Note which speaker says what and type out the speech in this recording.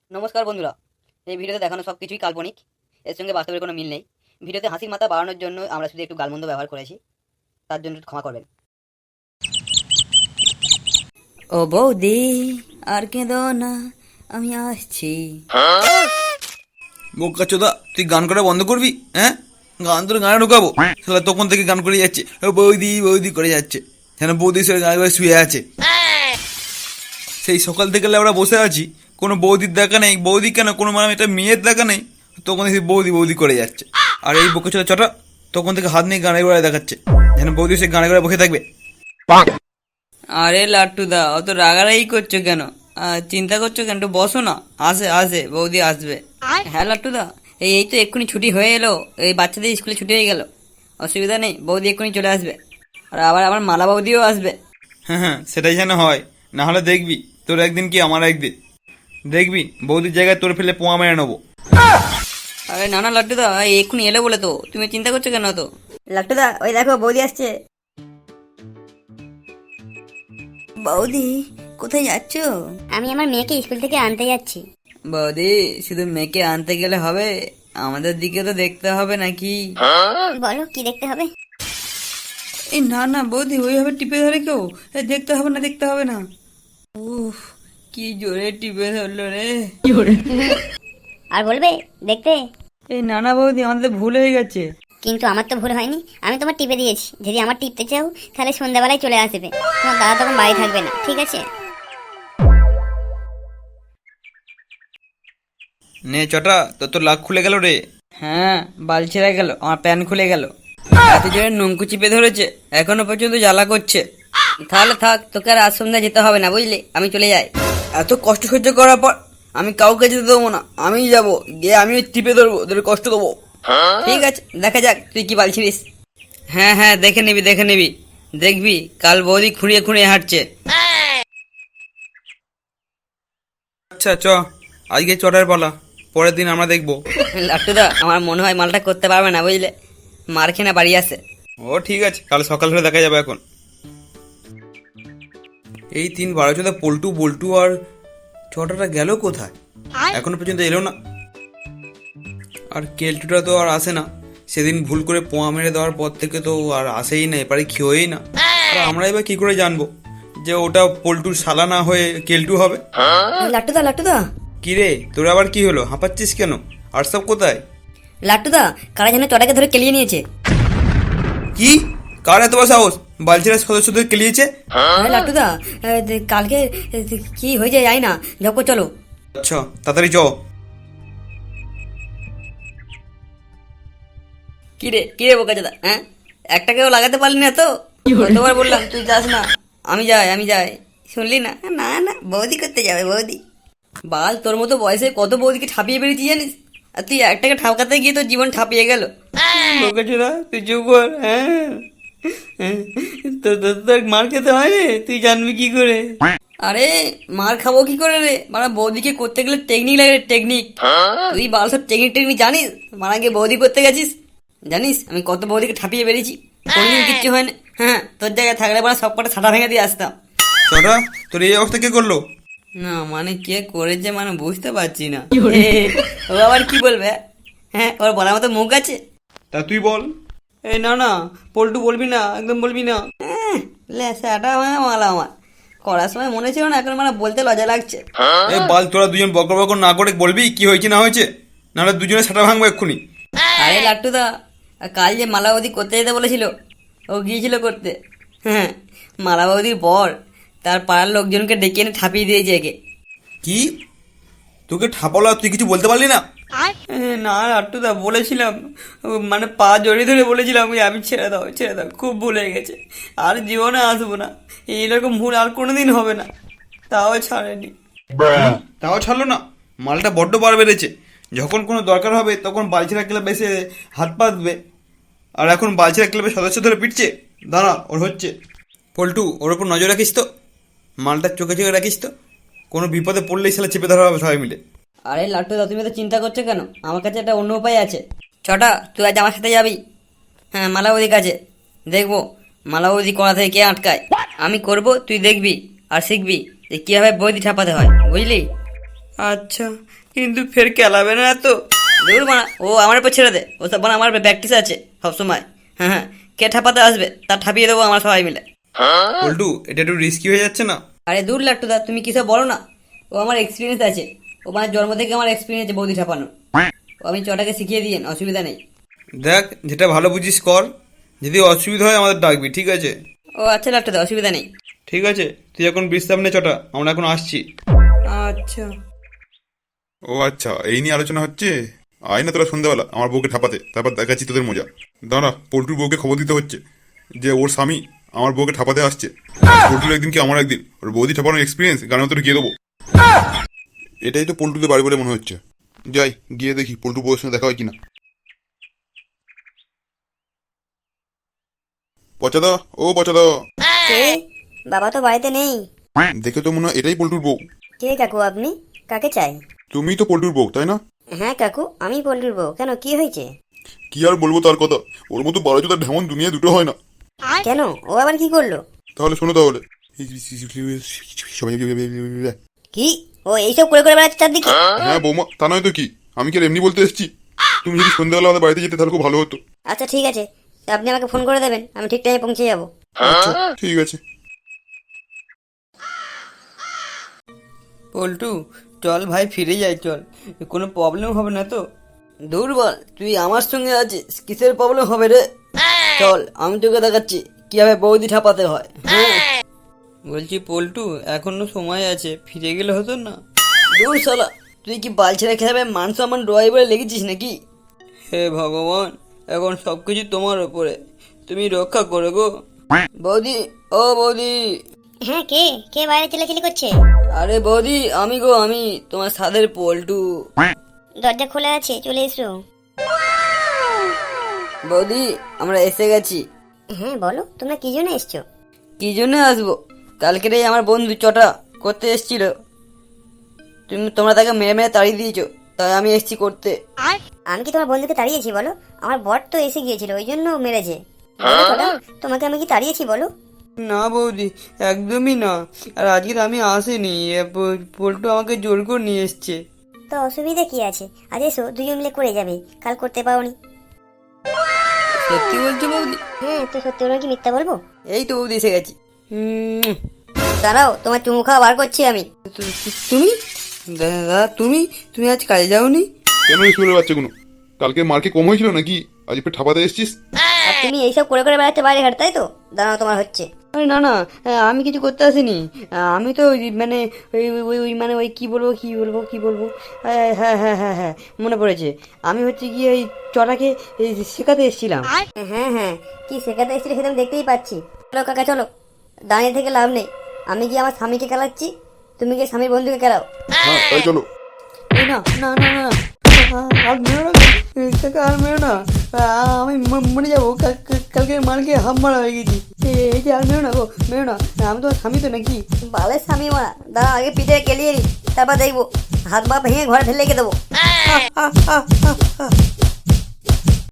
Speaker 1: নমস্কার বন্ধুরা। এই ভিডিওতে দেখানো সব কিছুই কাল্পনিক, এর সঙ্গে বাস্তবের কোনো মিল নেই। ভিডিওতে হাসির মাত্রা বাড়ানোর জন্য আমরা শুধু একটু গালমন্দ ব্যবহার করেছি, তার জন্য ক্ষমা করবেন। ও বৌদি, আর কেঁদো না, আমি আসছি।
Speaker 2: বোকা চোদা, তুই গান করা বন্ধ করবি? হ্যাঁ, গান তোর গানে ঢুকাবো। শালা তখন থেকে গান করে যাচ্ছে, ও বৌদি বৌদি করে যাচ্ছে, যেন বৌদির সঙ্গে গান করে শুয়ে আছে। সেই সকাল থেকে আমরা বসে আছি, কোনো বৌদির দেখা নেই। বৌদি কেন, কোনো মানে একটা মেয়ের দেখা নেই, তখন দেখি বৌদি বৌদি করে যাচ্ছে। আর এই বোকা চোদা চটা তখন থেকে হাত নিয়ে গানে গড়ায় দেখাচ্ছে, যেন বৌদি সে গানে গড়ায় বসে থাকবে।
Speaker 1: আরে লাট্টুদা, অত রাগারাগি করছো কেন? চিন্তা করছো কেন? একটু বসো না, আসে আসে বৌদি আসবে। হ্যাঁ লাট্টুদা, এই তো এক্ষুনি ছুটি হয়ে এলো, এই বাচ্চাদের স্কুলে ছুটি হয়ে গেল, অসুবিধা নেই, বৌদি এক্ষুনি চলে আসবে। আর আবার আমার মালা বৌদিও আসবে।
Speaker 2: হ্যাঁ হ্যাঁ, সেটাই যেন হয়, না হলে দেখবি তোর একদিন কি আমার একদিন, দেখবি বৌদির জায়গায় তোর ফেলে পোয়া মেরে নেবো।
Speaker 1: আরে না না লাট্টুদা, এই এক্ষুনি এলো বলে তো তুমি চিন্তা করছো কেন? তো
Speaker 3: লাট্টুদা, ওই দেখো বৌদি আসছে।
Speaker 1: বৌদি, কোথায় যাচ্ছ?
Speaker 3: আমি আমার মেয়েকে স্কুল থেকে আনতে যাচ্ছি।
Speaker 1: বৌদি, শুধু মেয়েকে আনতে গেলে হবে? আমাদের দিকে তো দেখতে হবে নাকি?
Speaker 3: বলো কি দেখতে হবে?
Speaker 1: এই না না বৌদি, ওইভাবে টিপে ধরে কেউ? দেখতে হবে না, দেখতে হবে না। উফ, কি জোরে টিপে ধরলো রে।
Speaker 3: আর বলবে দেখতে?
Speaker 1: এই না না বৌদি, আমাদের ভুল হয়ে গেছে।
Speaker 3: কিন্তু আমার তো ভুল হয়নি, আমি তোমার টিপে দিয়েছি। যদি আমার টিপতে চাও তাহলে সন্ধ্যাবেলায় চলে আসবে, তোমার দাদা তখন বাড়ি থাকবে না, ঠিক আছে?
Speaker 2: নে চটা, তোর তো লাখ খুলে গেল রে।
Speaker 1: হ্যাঁ, বাল ছেড়ে গেল, আমার প্যান খুলে গেল। এত জোরে নঙ্কু চিপে ধরেছে, এখনো পর্যন্ত জ্বালা করছে। তাহলে থাক, তোকে আর আজ সন্ধ্যায় যেতে হবে না, বুঝলি? আমি চলে যাই। এত কষ্ট সহ্য করার পর আমি কাউকে যেতে দেবো না, আমিই যাবো, গিয়ে আমি টিপে ধরবো, তোর কষ্ট দেবো। ঠিক আছে, দেখা যাক তুই কি বালছিস। হ্যাঁ হ্যাঁ, দেখে নিবি দেখে নিবি, দেখবি কাল বৌদি খুঁড়িয়ে খুঁড়িয়ে হাঁটছে।
Speaker 2: আচ্ছা চ, আজকে চটার পালা, পরের দিন আমরা দেখবো।
Speaker 1: লাট্টুদা, আমার মনে হয় মালটা করতে পারবে না, বুঝলে? মার খেয়ে না বাড়ি আসে।
Speaker 2: ও ঠিক আছে, কাল সকাল হলে দেখা যাবে। এখন এই 3-12 পল্টু বল্টু আর চটাটা গেল কোথায়? এখনো পর্যন্ত এলো না। আর কেলটুটা তো আর আসে না, সেদিন ভুল করে পোয়া মেরে দেওয়ার পর থেকে তো আর আসেই না, এপারে খেয়েই না। আর আমরা এবার কি করে জানবো যে ওটা পল্টুর শালা না হয়ে কেলটু হবে?
Speaker 1: লাট্টুদা লাট্টুদা,
Speaker 2: কি রে, তোর আবার কি হলো? হাঁপাচ্ছিস কেন? আর সব কোথায়?
Speaker 1: লাট্টুদা, কারা যেন চটাকে ধরে কেলিয়ে নিয়েছে।
Speaker 2: কি? কার এত বড় সাহস বালচিরা সদস্যদের কেলিয়েছে?
Speaker 1: আরে লাট্টুদা, কালকে কি হয়েছে জানি না, যখন চলো।
Speaker 2: আচ্ছা তাড়াতাড়ি চ।
Speaker 1: কি রে বোকা দাদা, হ্যাঁ? একটাকেও লাগাতে পারলি না তো? কতবার বললাম তুই যাস না, আমি যাই, শুনলি না? না না, বৌদি করতে যাবে, বৌদি। বাল, তোর মতো বয়সে কত বৌদিকে ঠাপিয়ে বেরিয়েছি জানিস? আর তুই একটাকে ঠাপকাতে গিয়ে তোর জীবন ঠাপিয়ে গেল। বোকা চোদা, তুই চুপ কর। হ্যাঁ, তোর মার খেতে হয় রে, তুই জানবি কি করে? আরে মার খাবো কি করে রে? মানে বৌদিকে করতে গেলে টেকনিক লাগে রে, টেকনিক। তুই বাল সব টেকনিক জানিস? মারা গিয়ে বৌদি করতে গেছিস, জানিস আমি কত বৌদিকে ঠাপিয়ে বেরিয়েছি, কোনদিন কিচ্ছু হয় না। হ্যাঁ, তোর জায়গায় থাকলে মানে সব কটা ছাটা ভেঙে দিয়ে আসতাম।
Speaker 2: চটা, তোর এই অবস্থা কে করলো?
Speaker 1: না মানে কে করেছে মানে বুঝতে পারছি না। ও আবার কি বলবে? হ্যাঁ, ওর বলার মতো মুখ আছে?
Speaker 2: তা তুই বল।
Speaker 1: এই না না, পল্টু বলবি না, একদম বলবি না। সেটা মানে মালা আমার করার সময় মনে ছিল না, এখন মানে বলতে লজ্জা লাগছে।
Speaker 2: এই বাল, তোরা দুজন বকর বকর না করে বলবি কি হয়েছে না হয়েছে, নাহলে দুজনে ছাটা ভাঙবো এক্ষুনি।
Speaker 1: আরে লাট্টুদা, কাল যে মালাবতী করতে যেতে বলেছিল, ও গিয়েছিল করতে। হ্যাঁ, মালাবতীর বর তার পাড়ার লোকজনকে ডেকে এনে ঠাপিয়ে দিয়েছে একে।
Speaker 2: কি? তোকে ঠাপালো আর তুই কিছু বলতে পারলি না?
Speaker 1: না লাট্টুদা, বলেছিলাম, মানে পা জড়িয়ে ধরে বলেছিলাম আমি ছেড়ে দাও ছেড়ে দাও, খুব ভুল হয়ে গেছে, আর জীবনে আসবো না, এইরকম ভুল আর কোনোদিন হবে না। তাও ছাড়েনি।
Speaker 2: তাও ছাড়লো না? মালটা বড্ড বার বেড়েছে। যখন কোনো দরকার হবে তখন বালছিরা ক্লাব এসে হাত পা দেবে, আর এখন বালছিরা ক্লাবের সদস্য ধরে পিটছে। দাঁড়া, ওর হচ্ছে। পল্টু, ওর ওপর নজর রাখিস তো, মালটার চোখে চোখে রাখিস তো, কোনো বিপদে পড়লেই সালা চেপে ধরা হবে সবাই মিলে।
Speaker 1: আরে লাট্টুদা, তুমি তো চিন্তা করছো কেন? আমার কাছে একটা অন্য উপায় আছে। ছটা, তুই আজ আমার সাথে যাবি। হ্যাঁ, মালাবতীর কাছে দেখবো মালাবতী কড়া থেকে কে আটকায়। আমি করব, তুই দেখবি আর শিখবি যে কিভাবে বৌদি ঠাপাতে হয়, বুঝলি? আচ্ছা, কিন্তু ফের খেলাবে না তো? দূর মানা, ও আমার উপর ছেড়ে দে, ও সব আমার প্র্যাকটিস আছে সবসময়। হ্যাঁ হ্যাঁ, কে ঠাপাতে আসবে তা ঠাপিয়ে দেবো আমরা সবাই মিলে।
Speaker 2: পল্টু, এটা একটু রিস্কি হয়ে যাচ্ছে না?
Speaker 1: আরে দূর লাট্টুদা, তুমি কিসব বলো না, ও আমার এক্সপিরিয়েন্স আছে, ও মানে জন্ম থেকে আমার এক্সপিরিয়েন্স আছে বৌদি ঠাপানো। ও আমি চটাকে শিখিয়ে দিয়েন, অসুবিধা নেই।
Speaker 2: দেখ, যেটা ভালো বুঝিস কর, যদি অসুবিধা হয় আমাদের ডাকবি, ঠিক আছে?
Speaker 1: ও আচ্ছা লাট্টুদা, অসুবিধা নেই।
Speaker 2: ঠিক আছে, তুই এখন বিশ্রাম নে চটা, আমরা এখন আসছি।
Speaker 1: আচ্ছা।
Speaker 4: ও আচ্ছা, এই নিয়ে আলোচনা হচ্ছে। আয় না তোরা সন্ধ্যাবেলা আমার বউকে ঠাপাতে, তারপর দেখাচ্ছি তোদের মজা। দাঁড়া, পল্টুর বউকে খবর দিতে হচ্ছে যে ওর স্বামী আমার বউকে ঠাপাতে আসছে। পল্টুর একদিন কি আমার একদিন, ওর বৌদি ঠাপানোর এক্সপিরিয়েন্স গানের মতো গিয়ে দেবো। এটাই তো পল্টুদের বাড়ি বলে মনে হচ্ছে। যাই গিয়ে দেখি পল্টুর বউয়ের সঙ্গে দেখা হয় কিনা। পচাদা, ও পচাদা,
Speaker 3: কে? বাবা তো বাড়িতে নেই।
Speaker 4: দেখে তো মনে হয় এটাই পল্টুর বউ।
Speaker 3: কে কাকু আপনি? কাকে চাই?
Speaker 4: তুমিই তো পল্টুর বউ, তাই না?
Speaker 3: হ্যাঁ কাকু, আমি পল্টুর বউ। কেন, কি হয়েছে?
Speaker 4: কি আর বলবো তার কথা, ওর মতো বারোজোদার ঢেমন দুনিয়া দুটো হয় না।
Speaker 3: কেন, ও আবার কি করলো?
Speaker 4: তাহলে শোনো তাহলে।
Speaker 3: কি? ও এইসব করে করে বেড়াচ্ছে চারদিকে?
Speaker 4: হ্যাঁ বৌমা, তা নয় তো কি, আমি কি আর এমনি বলতে এসেছি? তুমি যদি সন্ধ্যাবেলা আমাদের বাড়িতে যেতে তাহলে খুব ভালো হতো।
Speaker 3: আচ্ছা ঠিক আছে, আপনি আমাকে ফোন করে দেবেন, আমি ঠিক টাইমে পৌঁছে যাবো।
Speaker 4: আচ্ছা ঠিক আছে।
Speaker 1: পল্টু, চল ভাই ফিরে যাই, চল, কোনো প্রবলেম হবে না তো? দুর্বল, তুই আমার সঙ্গে আছিস, কিসের প্রবলেম হবে রে? চল, আমি তোকে দেখাচ্ছি কিভাবে বৌদি ঠাপাতে হয়। হ্যাঁ বলছি পল্টু, এখনো সময় আছে, ফিরে গেলে হতো না? দূর শালা, তুই কি বালছেড়ে খেলাবে মান সম্মান ডোয়াই বলে লেগেছিস নাকি? হে ভগবান, এখন সবকিছু তোমার ওপরে, তুমি রক্ষা করো গো। বৌদি, ও বৌদি।
Speaker 3: হ্যাঁ, কে কে বাইরে চিল্লাচিল্লি করছে?
Speaker 1: আরে বৌদি, আমি গো, আমি তোমার সাধের পল্টু।
Speaker 3: দরজা খোলা আছে, চলে এসো।
Speaker 1: বৌদি, আমরা এসে গেছি।
Speaker 3: হ্যাঁ বলো, তোমরা কি জন্য এসছো?
Speaker 1: কি জন্য আসবো, কালকেরেই আমার বন্ধু চটা করতে এসেছিল, তোমরা তাকে মেরে মেরে তাড়িয়ে দিয়েছো, তাই আমি এসেছি করতে।
Speaker 3: আমি কি তোমার বন্ধুকে তাড়িয়েছি বলো? আমার বর তো এসে গিয়েছিল, ওই জন্য মেরেছে। বলো ছোটা, তোমাকে আমি কি তাড়িয়েছি বলো?
Speaker 1: না বৌদি, একদমই না, আর আজকে আমি আসিনি, পল্টু আমাকে জোর করে নিয়ে এসছে।
Speaker 3: তো অসুবিধা কি আছে? আজ এসো, দুজন মিলে করে যাবে, কাল করতে পারোনি।
Speaker 1: সত্যি বলছো বৌদি?
Speaker 3: হ্যাঁ, তো সত্যি বলবো কি মিথ্যা বলবো?
Speaker 1: এই তো বৌদি এসে গেছি।
Speaker 3: দাঁড়াও, তোমার চুমু খাওয়া বার করছি আমি।
Speaker 1: তুমি দাদা, তুমি তুমি আজ কাজে যাওনি?
Speaker 4: কেন স্কুলের বাচ্চাগুলো, কালকে মার্কে কম হয়েছিল নাকি? আজ একটু ঠাপাতে এসেছিস?
Speaker 3: আর তুমি এইসব করে করে বেড়াচ্ছে বাইরে ঘাট, তাই তো? দাঁড়াও, তোমার হচ্ছে।
Speaker 1: আরে না না, আমি কিছু করতে আসিনি, আমি তো মানে ওই ওই ওই মানে ওই কি বলবো কি বলবো কি বলবো, হ্যাঁ হ্যাঁ হ্যাঁ হ্যাঁ হ্যাঁ, মনে পড়েছে, আমি হচ্ছে গিয়ে ওই চটাকে শেখাতে এসেছিলাম।
Speaker 3: হ্যাঁ হ্যাঁ, কি শেখাতে এসেছিলে সেটা আমি দেখতেই পাচ্ছি। চলো কাকা চলো, দাঁড়িয়ে থেকে লাভ নেই। আমি গিয়ে আমার স্বামীকে খেলাচ্ছি, তুমি গিয়ে স্বামীর বন্ধুকে খেলাও।
Speaker 4: হ্যাঁ তাই চলো।
Speaker 1: এই না না না না, আর মেরো না কাকা, আর মেরো না, আমি মরে যাবো, কালকে মালকে হাম মারা হয়ে গেছি, এই যে আর মেরো না গো, মেরো না, আমি তো স্বামী তো নাকি?
Speaker 3: বালের স্বামী মারা, দাঁড়া আগে পিঠে কেলিয়ে নি, তারপর দেখবো হাত পা ভেঙে ঘরে ফেলে রেখে দেবো।